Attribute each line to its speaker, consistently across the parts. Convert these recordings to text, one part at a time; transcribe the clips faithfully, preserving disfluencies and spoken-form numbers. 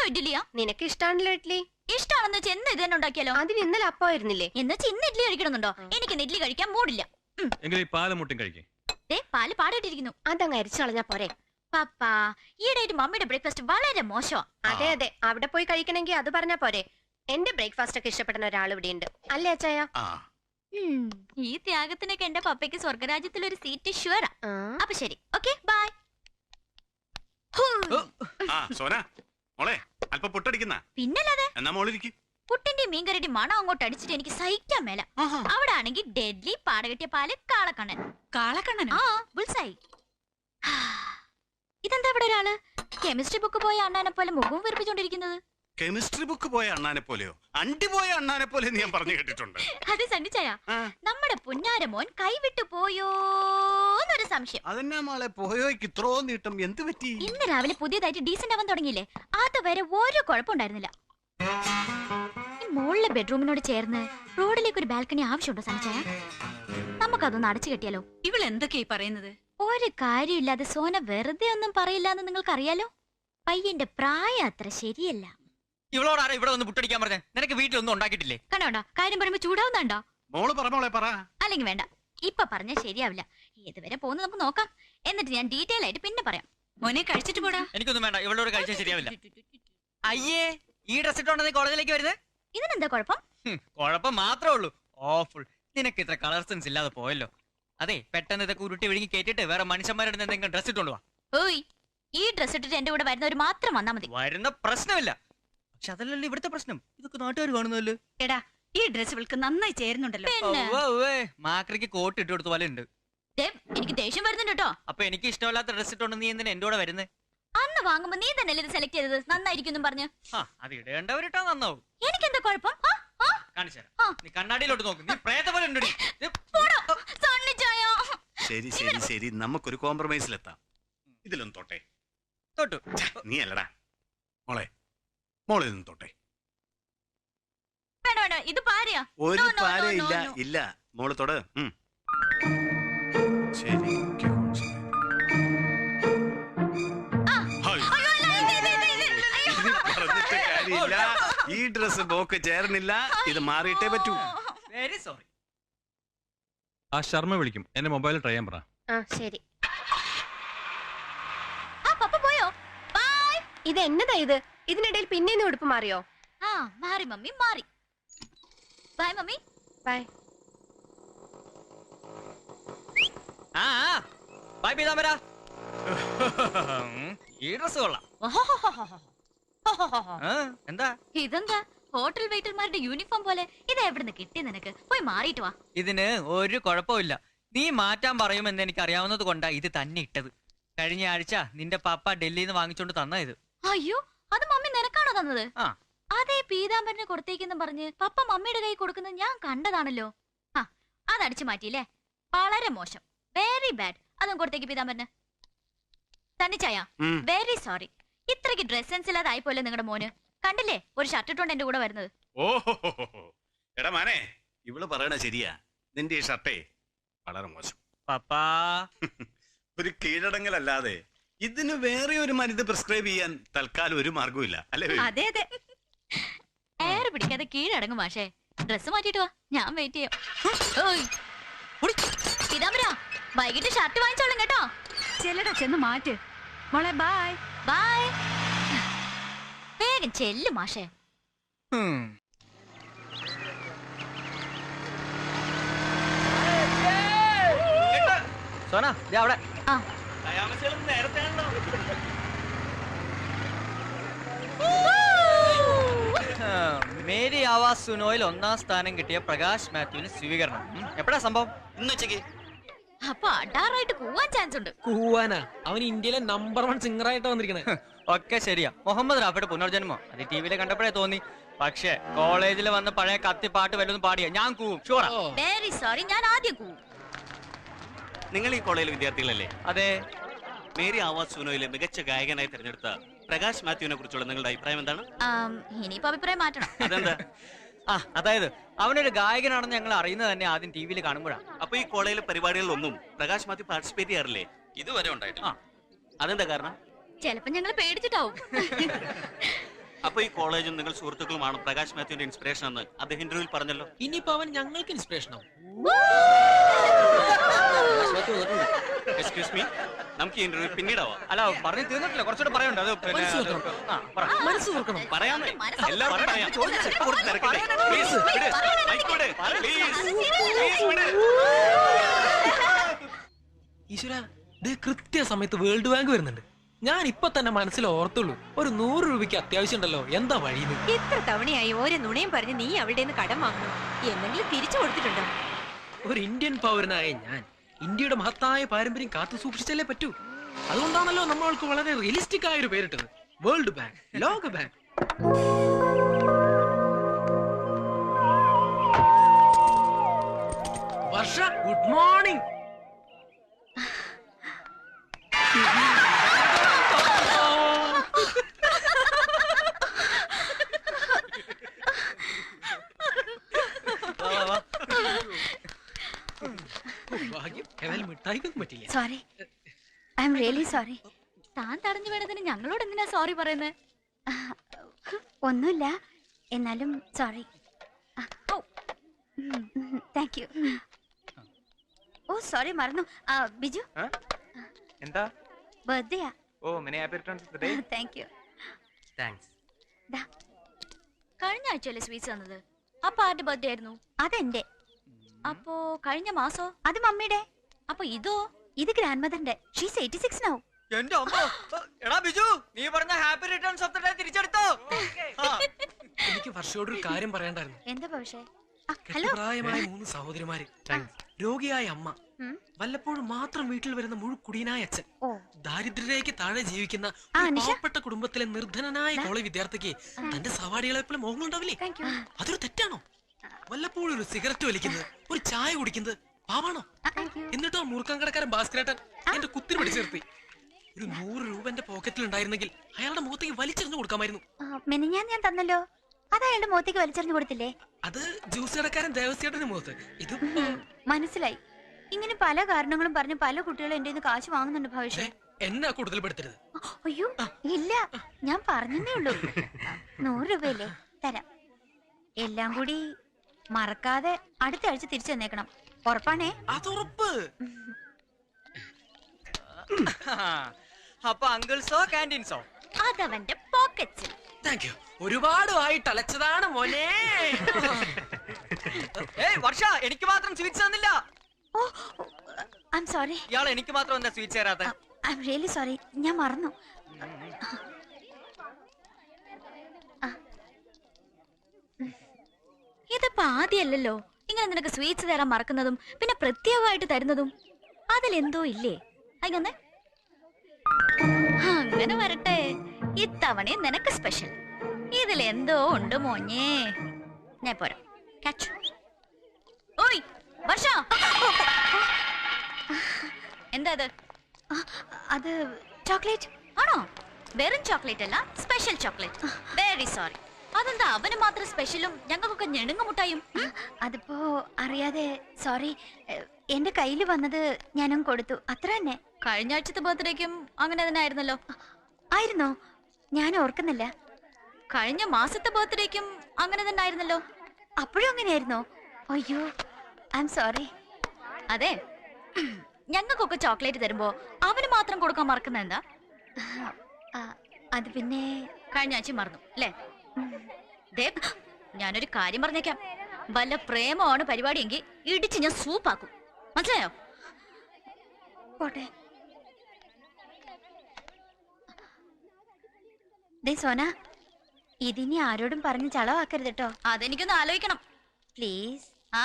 Speaker 1: ഇഡ്ഡലിയാ?
Speaker 2: നിനക്ക് ഇഷ്ടാണല്ലോ ഇഡ്ഡലി.
Speaker 1: ഇഷ്ടാണെന്ന് വെച്ചാൽ എന്ന് ഇത് തന്നെ ഉണ്ടാക്കിയാലോ?
Speaker 2: അതിന് ഇന്നലെ അപ്പമായിരുന്നില്ലേ?
Speaker 1: എന്ന് വെച്ചാൽ ഇന്ന് ഇഡ്ഡലി കഴിക്കണമെന്നുണ്ടോ? എനിക്ക് ഇഡ്ഡലി കഴിക്കാൻ മൂടില്ല.
Speaker 3: പാല് മുട്ടും കഴിക്കേ.
Speaker 1: പാല് പാടിട്ടിരിക്കുന്നു,
Speaker 2: അതങ്ങ് അരിച്ചു കളഞ്ഞാ പോരെ.
Speaker 1: പപ്പാ, ഈയിടെയായിട്ട് മമ്മിയുടെ ബ്രേക്ക്ഫാസ്റ്റ് വളരെ മോശമാ.
Speaker 2: അതെ അതെ, അവിടെ പോയി കഴിക്കണമെങ്കിൽ അത് പറഞ്ഞാ പോരെ. എന്റെ ബ്രേക്ക്ഫാസ്റ്റ് ഒക്കെ ഇഷ്ടപ്പെടുന്ന ഒരാൾ ഇവിടെ ഉണ്ട് അല്ലേ അച്ചായ?
Speaker 1: ഈ ത്യാഗത്തിനൊക്കെ എന്റെ പപ്പയ്ക്ക് സ്വർഗരാജ്യത്തിൽ ഒരു സീറ്റ് ഷുവറാ. അപ്പൊ ശരി, ഓക്കെ ബൈ. പിന്നല്ലാതെ പുട്ടിന്റെ മീൻകറിയുടെ മണം അങ്ങോട്ട് അടിച്ചിട്ട് എനിക്ക് സഹിക്കാൻ മേല. അവിടെ ആണെങ്കിൽ ഡെഡ്ലി പാടകെട്ടിയ പാല് കാളക്കണ്ണൻ.
Speaker 4: കാളക്കണ്ണൻ
Speaker 1: ആ ബുൾസായി. ഇതെന്താ ഇവിടെ ഒരാള് കെമിസ്ട്രി ബുക്ക് പോയ അണ്ണാനെ പോലെ മുഖവും വെറുപ്പിച്ചോണ്ടിരിക്കുന്നത്?
Speaker 5: കെമിസ്ട്രി ബുക്ക് പോയ അണ്ണാനെ പോലെയോ? അണ്ടി പോയ അണ്ണാനെ പോലെ ഞാൻ പറഞ്ഞു കേട്ടിട്ടുണ്ട്.
Speaker 1: അതെ സണ്ണിച്ചായ, നമ്മുടെ പുന്നാരമോൻ കൈവിട്ടു പോയോന്നൊരു സംശയം.
Speaker 5: അതെന്നാ മോളെ പോയോയ്ക്ക് ഇത്രോ നീട്ടം എന്ത് പറ്റി?
Speaker 1: ഇന്ന് രാവിലെ പുതിയതായിട്ട് ഡീസന്റ് ആവാൻ തുടങ്ങിയില്ലേ, അതുവരെ ഒരു കുഴപ്പമുണ്ടായിരുന്നില്ല. ഈ മുകളിലെ ബെഡ്റൂമിനോട് ചേർന്ന് റോഡിലേക്ക് ഒരു ബാൽക്കണി ആവശ്യമുണ്ടോ സണ്ണിച്ചായ? നമുക്കതൊന്ന് അടച്ചു കെട്ടിയാലോ?
Speaker 4: ഇവൾ എന്തൊക്കെയായി പറയുന്നത്?
Speaker 1: ഒരു കാര്യമില്ലാതെ സോന വെറുതെ ഒന്നും പറയില്ല എന്ന് നിങ്ങൾക്കറിയാലോ. പയ്യന്റെ പ്രായം അത്ര ശരിയല്ല.
Speaker 6: ഇവളോട് ആരാ ഇവിടെ വന്ന് പുട്ടടിക്കാൻ പറഞ്ഞേ? നിനക്ക് വീട്ടിലൊന്നും ഉണ്ടാക്കിയിട്ടില്ലേ?
Speaker 1: കണ്ടോണ്ടോ കാര്യം പറയുമ്പോ ചൂടാവുന്നുണ്ടോ?
Speaker 5: മോള് പറ മോളെ പറ.
Speaker 1: അല്ലെങ്കിൽ വേണ്ട, ഇപ്പൊ പറഞ്ഞാൽ ശരിയാവില്ല. ഏതുവരെ പോകുന്നു നമുക്ക് നോക്കാം, എന്നിട്ട് ഞാൻ ഡീറ്റെയിൽ ആയിട്ട് പിന്നെ പറയാം.
Speaker 4: മോനെ കഴിച്ചിട്ട് പോടാ.
Speaker 6: എനിക്കൊന്നും വേണ്ട, ഇവളോട് കഴിച്ചാൽ ശരിയാവില്ല. അയ്യേ, ഈ ഡ്രസ് ഇട്ടോണ്ടെന്ന് കോളേജിലേക്ക് വരുന്നത്?
Speaker 1: ഇതിനെന്താ കുഴപ്പം?
Speaker 6: കുഴപ്പം മാത്രമേ ഉള്ളൂ. ഓഫുൾ, നിനക്ക് ഇത്ര കളർ സെൻസ് ഇല്ലാതെ പോയല്ലോ. അതെ, പെട്ടെന്ന് ഇതൊക്കെ ഉരുട്ടി വിഴുങ്ങി കേട്ടിട്ട് വേറെ മനുഷ്യന്മാരുടെ എന്തെങ്കിലും ഡ്രസ് ഇട്ടോണ്ട് വാ.
Speaker 1: ഓയ്, ഈ ഡ്രസ് ഇട്ടിട്ട് എന്റെ കൂടെ വരുന്നവർ മാത്രം വന്നാ മതി.
Speaker 6: വരുന്ന പ്രശ്നമില്ല, പക്ഷെ അതല്ലല്ലോ ഇവിടുത്തെ പ്രശ്നം. ഇതൊക്കെ നാട്ടുകാർ കാണുന്നല്ലോ.
Speaker 4: എടാ, ഈ ഡ്രസ് ഇവൾക്ക് നന്നായി ചേരുന്നുണ്ടല്ലോ.
Speaker 6: മാക്രിക്ക് കോട്ട് ഇട്ട് കൊടുത്ത പോലെ ഉണ്ട്.
Speaker 1: എനിക്ക് ദേഷ്യം വരുന്നുണ്ട് കേട്ടോ.
Speaker 6: അപ്പൊ എനിക്ക് ഇഷ്ടമല്ലാത്ത ഡ്രസ് ഇട്ടോണ്ട് നീ എന്തിനാ എന്റെ കൂടെ വരുന്നത്?
Speaker 1: അന്ന് വാങ്ങുമ്പോ നീ തന്നെയല്ലേ ഇത് സെലക്ട് ചെയ്തത്, നന്നായിരിക്കും പറഞ്ഞു.
Speaker 6: അത് ഇടേണ്ടവരിട്ടാ നന്നാവും.
Speaker 1: എനിക്കെന്താ കുഴപ്പം?
Speaker 6: കാണിച്ചുതരാം, നീ കണ്ണാടിയിലോട്ട് നോക്ക്. നീ പ്രേത പോലെ ഉണ്ട്.
Speaker 5: ശരി ശരി ശരി, നമുക്കൊരു കോംപ്രമൈസിലെത്താം. ഇതിലൊന്നും തൊട്ടെ.
Speaker 6: തൊട്ടു
Speaker 5: നീ അല്ലടാ മോളെ, മോളെ നിന്ന് തൊട്ടെ.
Speaker 1: വേണ്ട വേണ്ട, ഇത് പാരയാ.
Speaker 5: ഒരു പാര ഇല്ല ഇല്ല, മോള് തൊട്. ശരി, പറഞ്ഞിട്ട് കാര്യമില്ല. ഈ ഡ്രസ് ബോക്ക് ചേർന്നില്ല, ഇത് മാറിയിട്ടേ പറ്റൂ.
Speaker 6: Very sorry.
Speaker 3: ആ ശർമ്മ വിളിക്കും, എന്റെ മൊബൈൽ ട്രൈ ചെയ്യാൻ പറ.
Speaker 2: ശരി.
Speaker 1: പോയോ? ബൈ.
Speaker 2: ഇത് എന്നതാ ഇത്? ഇതിനിടയിൽ പിന്നെ ഉടുപ്പ് മാറിയോ?
Speaker 1: ആ മാറി മമ്മി, മാറി. Bye mummy.
Speaker 2: ബൈ.
Speaker 6: ആ ബൈ പീതാംബര. ഈ ഡ്രസ് കൊള്ളാം. എന്താ
Speaker 1: ഇതെന്താ ഹോട്ടൽ വെയിറ്റർമാരുടെ യൂണിഫോം പോലെ? ഇത് എവിടുന്ന് കിട്ടി നിനക്ക്? പോയി മാറിയിട്ട് വാ.
Speaker 6: ഇതിന് ഒരു കുഴപ്പമില്ല. നീ മാറ്റാൻ പറയുമെന്ന് എനിക്ക് അറിയാവുന്നത് കൊണ്ടാ ഇത് തന്നെ ഇട്ടത്. കഴിഞ്ഞ ആഴ്ച നിന്റെ പപ്പ ഡൽഹിയിൽ നിന്ന് വാങ്ങിച്ചോണ്ട് തന്ന ഇത്.
Speaker 1: അയ്യോ, അത് മമ്മി നിനക്കാണോ തന്നത്?
Speaker 6: ആ
Speaker 1: അതേ പീതാംബരനെ കൊടുത്തേക്കെന്ന് പറഞ്ഞ് പപ്പ മമ്മിയുടെ കൈ കൊടുക്കുന്നത് ഞാൻ കണ്ടതാണല്ലോ. ആ അതടിച്ചു മാറ്റിയില്ലേ? വളരെ മോശം, വെരി ബാഡ്. അതും കൊടുത്തേക്ക് പീതാംബരന്. തന്നിച്ചായ, വെരി സോറി. ഇത്രയ്ക്ക് ഡ്രസ് സെൻസ് ഇല്ലാതായി പോലെ നിങ്ങളുടെ മോന്. കണ്ടില്ലേ ഒരു ഷർട്ട് ഇട്ടോണ്ട് എന്റെ കൂടെ വരുന്നത്?
Speaker 5: ഓഹോ, എടാ മാനെ, ഇവള് പറയണ ശരിയാ. നിന്റെ ഈ ഷർട്ടേ വളരെ മോശം.
Speaker 6: പപ്പാ,
Speaker 5: ഒരു കീഴടങ്ങലല്ലാതെ ഇതിന് വേറെ ഒരു മരുന്ന് പ്രിസ്ക്രൈബ് ചെയ്യാൻ തൽക്കാലം ഒരു മാർഗവും അല്ലേ?
Speaker 1: അതെ അതെ, എയർ പിടിക്കാതെ കീഴടങ്ങും. മാഷേ, ഡ്രസ് മാറ്റിട്ട് വാ, ഞാൻ വെയിറ്റ് ചെയ്യാം. പീതാംബര, വൈകിട്ട് ഷർട്ട് വാങ്ങിച്ചോളും കേട്ടോ.
Speaker 4: ചെല്ലടാ, ചെന്ന് മാറ്റ് മോളെ. Bye
Speaker 1: bye. വേഗം ചെല്ലു മാഷേ.
Speaker 6: സോന അവിടെ. മേരി ആവാസ് സുനോയിൽ ഒന്നാം സ്ഥാനം കിട്ടിയ പ്രകാശ് മാത്യുവിന് സ്വീകരണം. എപ്പോഴാ സംഭവം? ഇന്ന് ഉച്ചക്ക്.
Speaker 1: അപ്പൊ അടാറായിട്ട് കൂവാൻ ചാൻസ് ഉണ്ട്.
Speaker 7: കൂവാനാ? അവൻ ഇന്ത്യയിലെ നമ്പർ വൺ സിംഗർ ആയിട്ട് വന്നിരിക്കണേ.
Speaker 6: ഒക്കെ ശരിയാ. മുഹമ്മദ് റാഫിയുടെ പുനർജന്മോ അത് ടി വിയിലെ കണ്ടപ്പോഴേ തോന്നി. പക്ഷെ കോളേജിൽ വന്ന് പഴയ കത്തി പാട്ട് വല്ലതും പാടിയ ഞാൻ കൂവും. ഷുവറാ.
Speaker 1: വെരി സോറി, ഞാൻ ആദ്യം കൂവും.
Speaker 8: നിങ്ങൾ ഈ കോളേജിലെ വിദ്യാർത്ഥികളല്ലേ?
Speaker 6: അതെ.
Speaker 8: മേരി ആവാസ് സുനോയിലെ മികച്ച ഗായകനായി തിരഞ്ഞെടുത്ത പ്രകാശ് മാത്യുവിനെ കുറിച്ചുള്ള നിങ്ങളുടെ അഭിപ്രായം എന്താണ്?
Speaker 1: ഇനിയിപ്പോ അഭിപ്രായം മാറ്റണം.
Speaker 8: അതെന്താ?
Speaker 6: ആ അതായത് അവനൊരു ഗായകനാണെന്ന് ഞങ്ങൾ അറിയുന്നത് തന്നെ ആദ്യം ടി വിയിൽ കാണുമ്പോഴാണ്.
Speaker 8: അപ്പൊ ഈ കോളേജിലെ പരിപാടികളിലൊന്നും പ്രകാശ് മാത്യു പാർട്ടിസിപ്പേറ്റ് ചെയ്യാറില്ലേ?
Speaker 6: ഇതുവരെ ഉണ്ടായിട്ടില്ല.
Speaker 8: അതെന്താ കാരണം?
Speaker 1: ചിലപ്പോ ഞങ്ങൾ പേടിച്ചിട്ടാവും.
Speaker 8: അപ്പൊ ഈ കോളേജും നിങ്ങൾ സുഹൃത്തുക്കളുമാണ് പ്രകാശ് മാത്യുവിന്റെ ഇൻസ്പിറേഷൻ എന്ന് അദ്ദേഹം ഇന്റർവ്യൂവിൽ പറഞ്ഞല്ലോ.
Speaker 7: ഇനിയിപ്പോ അവൻ ഞങ്ങൾക്ക് ഇൻസ്പിറേഷൻ ആവും.
Speaker 8: എക്സ്ക്യൂസ് മീ, നമുക്ക് ഈ ഇന്റർവ്യൂ പിന്നീടാവാം.
Speaker 6: അല്ല പറഞ്ഞു തീർന്നിട്ടില്ല, കുറച്ചുകൂടെ പറയാനുണ്ട്. അത് പിന്നെ
Speaker 7: മനസ്സ്
Speaker 6: അത്
Speaker 7: തുറക്കണം.
Speaker 6: ആ, പറ.
Speaker 7: മനസ്സ് തുറക്കണം.
Speaker 8: പറയാമേ,
Speaker 1: മനസ്സ്
Speaker 8: എല്ലാവർക്കും പറയാം.
Speaker 6: ചോദിച്ചു.
Speaker 8: കുറച്ച് തിരക്കില്ലേ? Please, വിട്. Mic വിട്. Please, please വിട്.
Speaker 7: ഈശ്വര, ദേ കൃത്യസമയത്ത് വേൾഡ് ബാങ്ക് വരുന്നുണ്ട്. ഞാൻ ഇപ്പൊ തന്നെ മനസ്സിൽ ഓർത്തുള്ളൂ, ഒരു നൂറ് രൂപയ്ക്ക് അത്യാവശ്യം ഉണ്ടല്ലോ, എന്താ വഴിന്ന്.
Speaker 2: എത്ര തവണയായി ഓരോ നുണയും പറഞ്ഞ് നീ അവളുടെ നിന്ന് കടം വാങ്ങണം. എന്തെങ്കിലും തിരിച്ചു കൊടുത്തിട്ടുണ്ടോ?
Speaker 7: ഒരു ഇന്ത്യൻ പൗരനായ ഞാൻ ഇന്ത്യയുടെ മഹത്തായ പാരമ്പര്യം കാത്തു സൂക്ഷിച്ചല്ലേ പറ്റൂ. അതുകൊണ്ടാണല്ലോ നമ്മൾക്ക് വളരെ റിയലിസ്റ്റിക് ആയ ഒരു പേരിട്ടത്, വേൾഡ് ബാങ്ക്, ലോക ബാങ്ക്. Varsha, good morning. ഭാഗ്യം, ഏതായാലും മിഠായിക്കൊന്നും പറ്റില്ല.
Speaker 1: Sorry, I'm really sorry. താൻ തടഞ്ഞു വേണതിന് ഞങ്ങളോട് എന്തിനാ സോറി പറയുന്നത്? ഒന്നുമില്ല, എന്നാലും sorry. Thank you. Oh sorry, മറന്നു. ആ, ബിജു
Speaker 6: എന്താ?
Speaker 1: ബർത്ത്ഡേയാ.
Speaker 6: Oh many happy returns of the day.
Speaker 1: Thank you.
Speaker 6: Thanks.
Speaker 1: കഴിഞ്ഞ ആഴ്ചയല്ലേ സ്വീറ്റ്സ് തന്നത്? അപ്പൊ ആരുടെ ബർത്ത്ഡേ ആയിരുന്നു? അതെന്റെ. അപ്പോ കഴിഞ്ഞ മാസോ? അത് മമ്മിയുടെ. അപ്പൊ ഇതോ? ഇത് ഗ്രാൻഡ് മദറിന്റെ. She's eighty six now.
Speaker 6: എന്റെ അമ്മ. എടാ ബിജു, നീ പറഞ്ഞ happy returns of the day തിരിച്ചെടുത്തോ?
Speaker 7: എനിക്ക് വർഷയോട് ഒരു കാര്യം പറയണ്ടായിരുന്നു.
Speaker 1: എന്താ പക്ഷേ? ഹലോ.
Speaker 7: പ്രായമായ മൂന്ന് സഹോദരിമാര്, രോഗിയായ അമ്മ, വല്ലപ്പോഴും മാത്രം വീട്ടിൽ വരുന്ന മുഴുക്കുടിയനായ അച്ഛൻ, ദാരിദ്ര്യരേഖയ്ക്ക് താഴെ ജീവിക്കുന്ന പാവപ്പെട്ട കുടുംബത്തിലെ നിർധനനായ കോളേജ് വിദ്യാർത്ഥിക്ക് തന്റെ സവാടികളെ പോലെ മോഹം ഉണ്ടാവില്ലേ? അതൊരു തെറ്റാണോ? വല്ലപ്പോഴും ഒരു സിഗരറ്റ് വലിക്കുന്നത്, ഒരു ചായ കുടിക്കുന്നത് പാവാണോ? എന്നിട്ടോ മൂർഖം കടക്കാരൻ ഭാസ്കരേട്ടൻ എന്റെ കുത്തിരി പിടിച്ചു നിർത്തി. ഒരു നൂറ് രൂപ എന്റെ പോക്കറ്റിൽ ഉണ്ടായിരുന്നെങ്കിൽ അയാളുടെ മുഖത്തേക്ക് വലിച്ചെറിഞ്ഞു കൊടുക്കാമായിരുന്നു.
Speaker 1: മെനിഞ്ഞാൻ ഞാൻ തന്നല്ലോ, അത് അയാളുടെ മുഖത്തേക്ക് വലിച്ചെറിഞ്ഞു കൊടുത്തില്ലേ?
Speaker 7: അത് ജ്യൂസ് കടക്കാരൻ ദേവസ്യേട്ടന്റെ മുഖത്ത്. ഇത്
Speaker 1: മനസ്സിലായി. ഇങ്ങനെ പല കാരണങ്ങളും പറഞ്ഞ് പല കുട്ടികളും എന്റെ കയ്യിന്ന് കാശ് വാങ്ങുന്നുണ്ട് ഭവിഷ്യ.
Speaker 7: എന്നെ കൂടുതൽ പെടുത്തരുത്.
Speaker 1: അയ്യോ ഇല്ല, ഞാൻ പറഞ്ഞതേ ഉള്ളൂ. നൂറ് രൂപയല്ലേ, തരാം. എല്ലാം കൂടി മറക്കാതെ അടുത്ത ആഴ്ച തിരിച്ചു തന്നേക്കണം. ഉറപ്പാണേ?
Speaker 7: അതുറപ്പ്.
Speaker 6: അപ്പൊ അങ്കിൾസോ ക്യാൻറ്റീൻസോ?
Speaker 1: അതവന്റെ പോക്കറ്റ്സിൽ.
Speaker 7: Thank you. ഒരുപാട് ആയിട്ട് അലച്ചതാണ് മോനെ.
Speaker 6: ഏയ് വർഷ, എനിക്ക് മാത്രം സ്വീറ്റ്സ് തന്നില്ല.
Speaker 1: Oh I'm sorry.
Speaker 6: ഇയാൾ എനിക്ക് മാത്രം എന്താ സ്വീറ്റ്സ് തരാത്ത?
Speaker 1: ഐ എം റിയലി സോറി, ഞാൻ മറന്നു. ഇതിപ്പോ ആദ്യമല്ലല്ലോ ഇങ്ങനെ നിനക്ക് സ്വീറ്റ്സ് തരാൻ മറക്കുന്നതും പിന്നെ പ്രത്യേകമായിട്ട് തരുന്നതും. അതിലെന്തോ ഇല്ലേ? അങ്ങനെ അങ്ങനെ വരട്ടെ, ഇത്തവണയും നിനക്ക് സ്പെഷ്യൽ. ഇതിലെന്തോ ഉണ്ട് മോഞ്ഞേ. ഞാൻ പോരാ. ഓയ് വർഷ, എന്താ അത്? അത് ചോക്ലേറ്റ് ആണോ? വെറും ചോക്ലേറ്റ് അല്ല, സ്പെഷ്യൽ ചോക്ലേറ്റ്. Very sorry. അതെന്താ അവന് മാത്രം സ്പെഷ്യലും ഞങ്ങൾക്കൊക്കെ ഞെണുങ്ങ മുട്ടായും? അതിപ്പോ അറിയാതെ സോറി. എന്റെ കയ്യിൽ വന്നത് ഞാനും കൊടുത്തു, അത്ര തന്നെ. കഴിഞ്ഞ ആഴ്ചത്തെ ബർത്ത്ഡേക്കും അങ്ങനെ തന്നെ ആയിരുന്നല്ലോ. ആയിരുന്നോ? ഞാൻ ഓർക്കുന്നില്ല. കഴിഞ്ഞ മാസത്തെ ബർത്ത്ഡേക്കും അങ്ങനെ തന്നെ ആയിരുന്നല്ലോ. അപ്പോഴും അങ്ങനെയായിരുന്നോ? അയ്യോ ഐ എം സോറി. അതെ, ഞങ്ങൾക്കൊക്കെ ചോക്ലേറ്റ് തരുമ്പോ അവന് മാത്രം കൊടുക്കാൻ മറക്കുന്ന എന്താ? അത് പിന്നെ കഴിഞ്ഞ ആഴ്ച മറന്നു അല്ലേ? ഞാനൊരു കാര്യം പറഞ്ഞേക്കാം, വല്ല പ്രേമമാണ് പരിപാടിയെങ്കിൽ ഇടിച്ച് ഞാൻ സൂപ്പാക്കും, മനസ്സിലായോ? പോട്ടെ. ദേ സോന, ഇതിനി ആരോടും പറഞ്ഞ് ചളവാക്കരുത് കേട്ടോ. അതെനിക്കൊന്ന് ആലോചിക്കണം പ്ലീസ്. ആ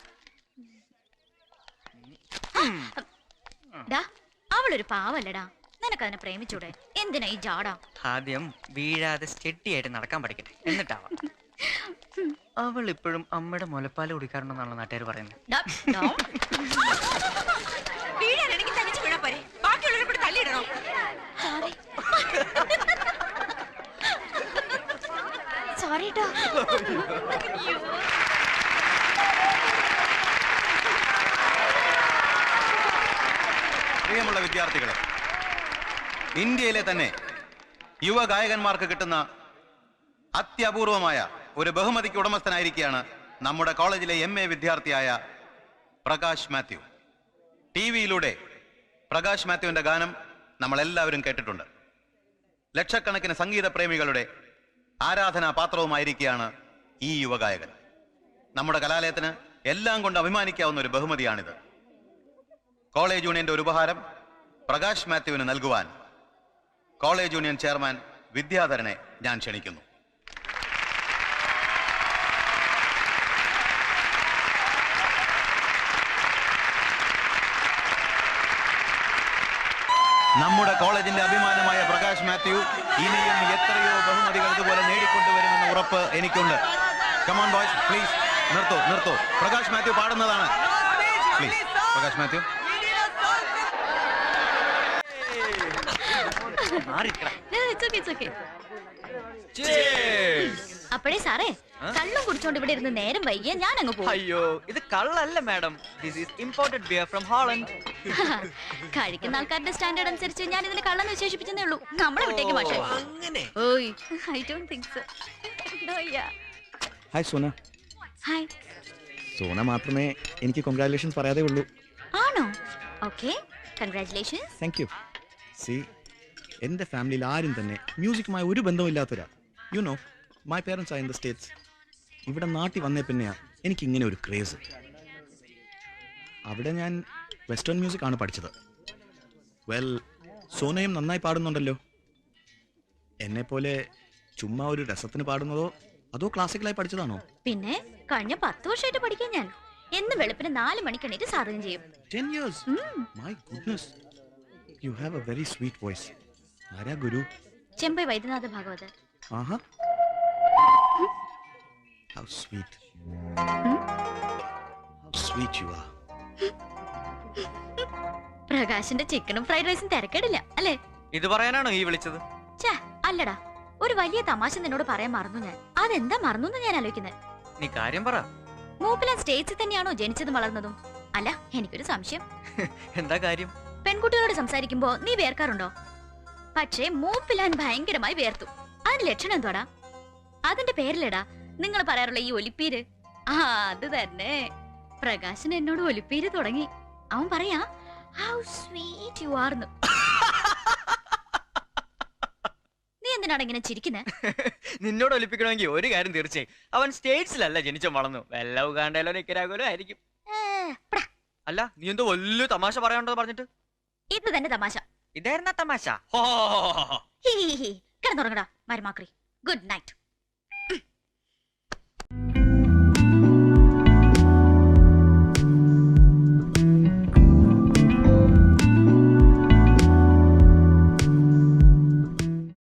Speaker 1: അവളൊരു പാവല്ലടാ, നിനക്കതിനെ പ്രേമിച്ചൂടെ? എന്തിനാ ഈ ജാടാ?
Speaker 6: ആദ്യം വീഴാതെ സ്റ്റെഡിയായിട്ട് നടക്കാൻ പഠിക്കട്ടെ, എന്നിട്ടാവാം. അവൾ ഇപ്പോഴും അമ്മയുടെ മുലപ്പാല് കുടിക്കാറുണ്ടെന്നാണല്ലോ നാട്ടുകാർ പറയുന്നത്.
Speaker 2: വീഴാനാണെങ്കിൽ തനിച്ച് വീഴാൻ പോരെ, ബാക്കിയുള്ളവരെ കൂടി തള്ളിയിടണോ?
Speaker 1: സോറി കേട്ടോ.
Speaker 9: പ്രിയമുള്ള വിദ്യാർത്ഥികളെ, ഇന്ത്യയിലെ തന്നെ യുവ ഗായകന്മാർക്ക് കിട്ടുന്ന അത്യപൂർവമായ ഒരു ബഹുമതിക്ക് ഉടമസ്ഥനായിരിക്കുകയാണ് നമ്മുടെ കോളേജിലെ എം എ വിദ്യാർത്ഥിയായ പ്രകാശ് മാത്യു. ടി വിയിലൂടെ പ്രകാശ് മാത്യുവിന്റെ ഗാനം നമ്മൾ എല്ലാവരും കേട്ടിട്ടുണ്ട്. ലക്ഷക്കണക്കിന് സംഗീത പ്രേമികളുടെ ആരാധനാ പാത്രവുമായിരിക്കുകയാണ് ഈ യുവഗായകൻ. നമ്മുടെ കലാലയത്തിന് എല്ലാം കൊണ്ട് അഭിമാനിക്കാവുന്ന ഒരു ബഹുമതിയാണിത്. കോളേജ് യൂണിയന്റെ ഒരു ഉപഹാരം പ്രകാശ് മാത്യുവിന് നൽകുവാൻ കോളേജ് യൂണിയൻ ചെയർമാൻ വിദ്യാധരനെ ഞാൻ ക്ഷണിക്കുന്നു. നമ്മുടെ കോളേജിന്റെ അഭിമാനമായ പ്രകാശ് മാത്യു ഇനിയും എത്രയോ ബഹുമതികൾ ഇതുപോലെ നേടിക്കൊണ്ടുവരുമെന്ന ഉറപ്പ് എനിക്കുണ്ട്. കമോൺ ബോയ്സ്, പ്ലീസ് നിർത്തൂ നിർത്തൂ. പ്രകാശ് മാത്യു പാടുന്നതാണ്. പ്ലീസ് പ്രകാശ് മാത്യു.
Speaker 1: അപ്പഴേ സാറേ, കള്ളും കുടിച്ചോണ്ട് ഇവിടെ ഇരുന്ന് നേരം വൈകിയ ഞാൻ അങ്ങ് പോകും.
Speaker 6: അയ്യോ, ഇത് കള്ളല്ല madam, this is imported beer from Holland.
Speaker 1: കഴിക്കുന്ന ആൾക്കാരുടെ സ്റ്റാൻഡേർഡ് അനുസരിച്ച് ഞാൻ ഇതിനെ കള്ളെന്ന് വിശേഷിപ്പിച്ചേ ഉള്ളൂ. നമ്മളെ വിട്ടേക്ക് പക്ഷേ. ഓയ്, I don't think so.
Speaker 10: Hi Sona.
Speaker 1: Hi.
Speaker 10: Sona മാത്രമേ എനിക്ക് കൺഗ്രാറ്റുലേഷൻസ് പറയാതെ ഉള്ളൂ.
Speaker 1: ആണോ? Okay, congratulations.
Speaker 10: Thank you. See, എൻ്റെ ഫാമിലിയിൽ ആരും തന്നെ മ്യൂസിക്കുമായി ഒരു ബന്ധമില്ലാത്തവരാ. You know, my parents are in the States. ഇവിടെ നാട്ടിൽ വന്നേ പിന്നെയാണ് എനിക്ക് ഇങ്ങനെ ഒരു ക്രേസ്. അവിടെ ഞാൻ വെസ്റ്റേൺ മ്യൂസിക് ആണ് പഠിച്ചത്. വെൽ, സോനയും നന്നായി പാടുന്നുണ്ടല്ലോ. എന്നെപ്പോലെ ചുമ്മാ ഒരു രസത്തിന് പാടുന്നതോ അതോ ക്ലാസിക്കലായി പഠിച്ചതാണോ?
Speaker 1: പിന്നെ കഴിഞ്ഞ പത്ത് വർഷമായിട്ട് പഠിക്കാൻ ഞാൻ എന്ന് വെളുപ്പിന് നാല് മണിക്ക് എണീറ്റ് സാധനം ചെയ്യും.
Speaker 10: ten years. My goodness. You have a very sweet voice. ആരാ ഗുരു?
Speaker 1: ചെമ്പൈ വൈദ്യനാഥ ഭാഗവതർ.
Speaker 10: ആഹാ. How sweet. How sweet you are.
Speaker 1: പ്രകാശിന്റെ ചിക്കനും ഫ്രൈഡ് റൈസും തിരക്കേടില്ല അല്ലേ?
Speaker 6: ഇത് പറയാനാണോ ഈ വിളിച്ചത്?
Speaker 1: ഛേ, അല്ലടാ, ഒരു വലിയ തമാശ നിന്നോട് പറയാൻ മറന്നു ഞാൻ. അതെന്താ മറന്നു എന്ന് ഞാൻ ആലോചിക്കുന്നത്.
Speaker 6: നീ കാര്യം പറ.
Speaker 1: മൂപ്പിലാൻ സ്റ്റേറ്റ്സിൽ തന്നെയാണോ ജനിച്ചതും വളർന്നതും? അല്ല, എനിക്കൊരു സംശയം.
Speaker 6: എന്താ കാര്യം?
Speaker 1: പെൺകുട്ടികളോട് സംസാരിക്കുമ്പോ നീ വേർക്കാറുണ്ടോ? പക്ഷേ മൂപ്പിലാൻ ഭയങ്കരമായി വേർത്തു. അതിന് ലക്ഷണം എന്തോടാ? അതിന്റെ പേരിലടാ നിങ്ങൾ പറയാറുള്ള ഈ ഒലിപ്പീര്. ആ, അത് തന്നെ. പ്രകാശൻ എന്നോട് ഒലിപ്പീര് തുടങ്ങി. അവൻ പറയാ ഹൗ സ്വീറ്റ് യു ആർ. നീ എന്തിനാണ് ഇങ്ങനെ ചിരിക്കുന്നത്?
Speaker 6: നിന്നോട് ഒലിപ്പിക്കണമെങ്കിൽ ഒരു കാര്യം തീർച്ചയായും, അവൻ സ്റ്റേറ്റ്സിലല്ല ജനിച്ചു വളർന്നു. വല്ല ഉഗാണ്ടയിലോ നിക്കരാഗോലോ ആയിരിക്കും. അല്ല, നീ എന്തോ വലിയ തമാശ പറയാനുണ്ടോ പറഞ്ഞിട്ട്?
Speaker 1: ഇത് തന്നെ തമാശ.
Speaker 6: ഇതായിരുന്ന തമാശ.
Speaker 1: കിടന്നുറങ്ങടാ മരുമാക്രി. Good night.